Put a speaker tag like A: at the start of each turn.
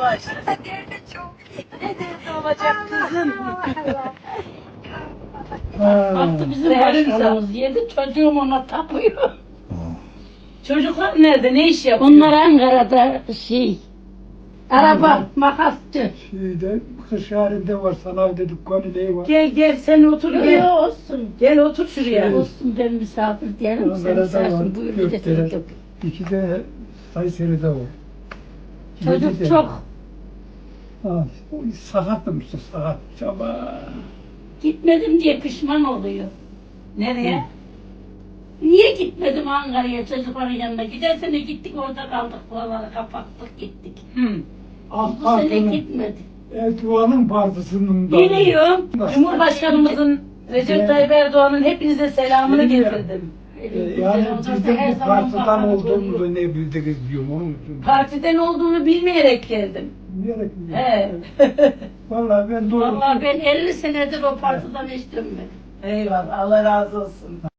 A: başla.
B: Nerede çok iyi.
A: Ne derdi olacak kızım?
C: Baktı bizim başkanımız yedi, çocuğum ona tapıyor.
A: Çocuklar nerede? Ne iş yapıyor?
C: Onlar Ankara'da araba, makasçı.
D: Şeyde, kış halinde var, sanayide dükkanı neyi var?
A: Gel gel sen otur
C: Yok
A: gel.
C: olsun.
A: Gel otur şuraya.
C: Olsun ben misafir diyelim, sen
D: Ankara'da
C: misafirin
D: var,
C: buyur
D: Gökdere,
C: gidesin.
D: iki de Kayseri'de var.
C: Çocuk
D: Yedi de-
C: çok.
D: Ha, sakattım işte, sakat. Çaba.
C: Gitmedim diye pişman oluyor.
A: Nereye?
C: Niye gitmedim Ankara'ya çocukların yanına? Geçen sene gittik orada kaldık, buraları kapattık gittik.
A: Hı.
D: AK
C: Bu sene
D: Parti'nin,
C: gitmedik.
D: Erdoğan'ın partisinin da.
A: Biliyorum. Cumhurbaşkanımızın Recep Tayyip Erdoğan'ın hepinize selamını
D: Biliyorum.
A: getirdim.
D: Yani
C: Olursa
D: biz de
C: her
D: bu
C: zaman
D: partiden
C: bakarız,
D: olduğumuzu
C: oluyor.
D: ne bildiriz diyorum onun için.
A: Partiden olduğunu bilmeyerek geldim.
D: Diyerek mi?
A: He.
D: Vallahi ben doğru.
C: Vallahi ben 50 senedir o partiden hiç dönmedim.
A: Eyvallah. Allah razı olsun.